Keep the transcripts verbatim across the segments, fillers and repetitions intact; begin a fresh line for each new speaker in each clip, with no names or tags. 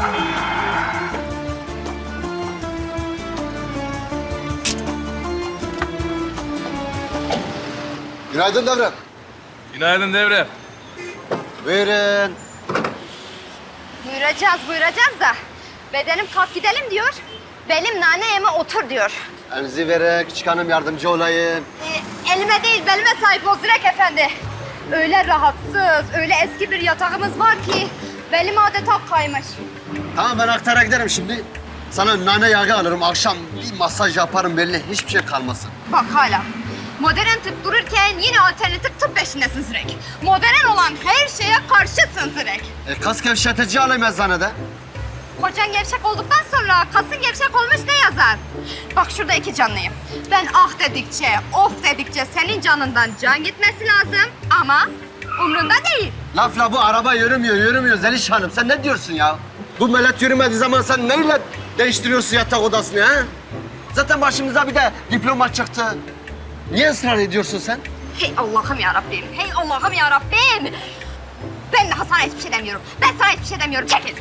Günaydın Devrem.
Günaydın Devrem.
Buyurun.
Buyuracağız, buyuracağız da bedenim kalk gidelim diyor. Belim nane yeme otur diyor.
Elinizi verin, küçük hanım yardımcı olayım.
Ee, elime değil, belime sahip ol Zirek Efendi. Öyle rahatsız, öyle eski bir yatağımız var ki belim adeta kaymış.
Tamam ben aktara giderim şimdi. Sana nane yağı alırım, akşam bir masaj yaparım belli, hiçbir şey kalmasın.
Bak hala. Modern tıp dururken yine alternatif tıp peşindesin Zirek. Modern olan her şeye karşısın Zirek.
E, kas gevşetici alayım eczanede.
Kocan gevşek olduktan sonra kasın gevşek olmuş ne yazar? Bak şurada iki canlıyım. Ben ah dedikçe, of dedikçe senin canından can gitmesi lazım ama umrunda değil.
Lafla bu araba yürümüyor, yürümüyor Zeliş Hanım. Sen ne diyorsun ya? Bu millet yürümediği zaman sen neyle değiştiriyorsun yatak odasını ha? Zaten başımıza bir de diploma çıktı. Niye ısrar ediyorsun sen?
Hey Allah'ım ya Rabbim, hey Allah'ım ya Rabbim. Ben daha sana hiçbir şey demiyorum. Ben sana hiçbir şey demiyorum. Çekil.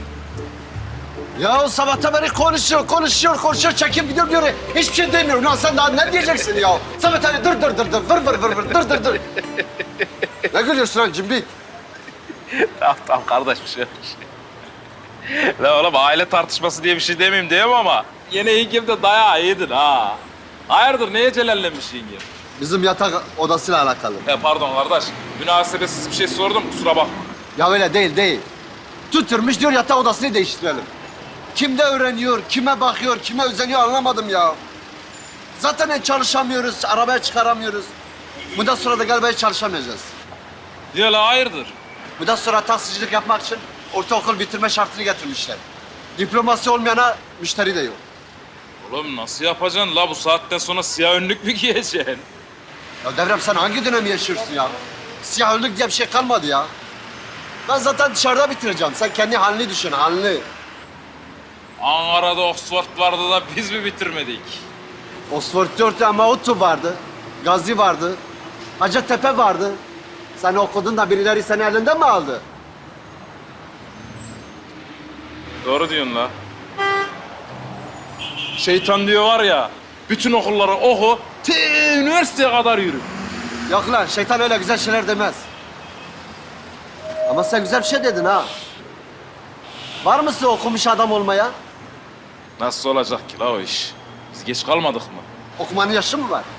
Ya o sabahtan beri konuşuyor, konuşuyor, konuşuyor, çekip gidiyor diyor. Hiçbir şey demiyorum. Lan sen daha ne diyeceksin ya? Sabah hani dır dır dır dır, vır vır vır vır, dır dır dır. Ne gülüyorsun lan cimbi?
Tamam tamam kardeş bir şey yok. La oğlum aile tartışması diye bir şey demeyeyim diyeyim ama yine yengem de dayağı yedin ha. Hayırdır neye celallenmiş yengem?
Bizim yatak odasıyla alakalı.
E pardon kardeş, münasebetsiz bir şey sordum kusura bakma.
Ya öyle değil, değil. Tutturmuş diyor yatak odasını değiştirelim. Kimde öğreniyor, kime bakıyor, kime özeniyor anlamadım ya. Zaten hiç çalışamıyoruz, arabaya çıkaramıyoruz. Bundan sonra da galiba hiç çalışamayacağız.
Niye la hayırdır?
Bundan sonra taksicilik yapmak için ortaokul bitirme şartını getirmişler. Diploması olmayana müşteri de yok.
Oğlum nasıl yapacaksın la bu saatten sonra siyah önlük mü giyeceksin?
Ya Devrem sen hangi dönemi yaşıyorsun ya? Siyah önlük diye bir şey kalmadı ya. Ben zaten dışarıda bitireceğim. Sen kendi halini düşün, halini.
Ankara'da Oxford vardı da biz mi bitirmedik?
Oxford dört ama Ottu vardı. Gazi vardı. Hacettepe vardı. Sen okudun da birileri seni elinden mi aldı?
Doğru diyorsun la. Şeytan diyor var ya, bütün okulları oku, te üniversiteye kadar yürü.
Yok lan, şeytan öyle güzel şeyler demez. Ama sen güzel bir şey dedin ha. Var mısın okumuş adam olmaya?
Nasıl olacak ki la o iş? Biz geç kalmadık mı?
Okumanın yaşı mı var?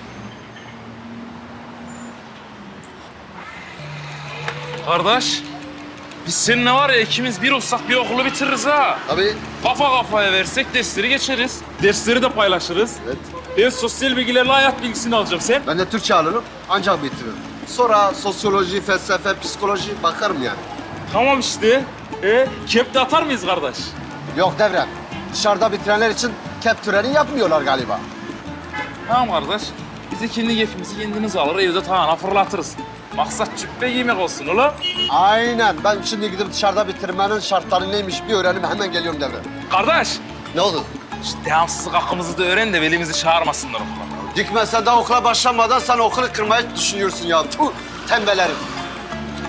Kardeş, biz seninle var ya ikimiz bir olsak bir okulu bitiririz ha.
Tabii.
Kafa kafaya versek dersleri geçeriz. Dersleri de paylaşırız.
Evet.
Ben sosyal bilgilerle hayat bilgisini alacağım sen.
Ben de Türkçe alırım, ancak bitiririm. Sonra sosyoloji, felsefe, psikoloji bakarım yani.
Tamam işte. E, kep de atar mıyız kardeş?
Yok Devrem, dışarıda bitirenler için kep töreni yapmıyorlar galiba.
Tamam kardeş. Biz de kendi kefimizi kendimiz alır, evde tavana fırlatırız. Maksat cübbe yemek olsun ulan.
Aynen, ben şimdi gidip dışarıda bitirmenin şartları neymiş bir öğrenim, hemen geliyorum Devrem.
Kardeş,
Ne oldu?
şu devamsızlık hakkımızı da öğren de velimizi çağırmasınlar okula.
Dikme sen daha okula başlamadan sen okulu kırmayı düşünüyorsun ya. Tuh, tembel herif.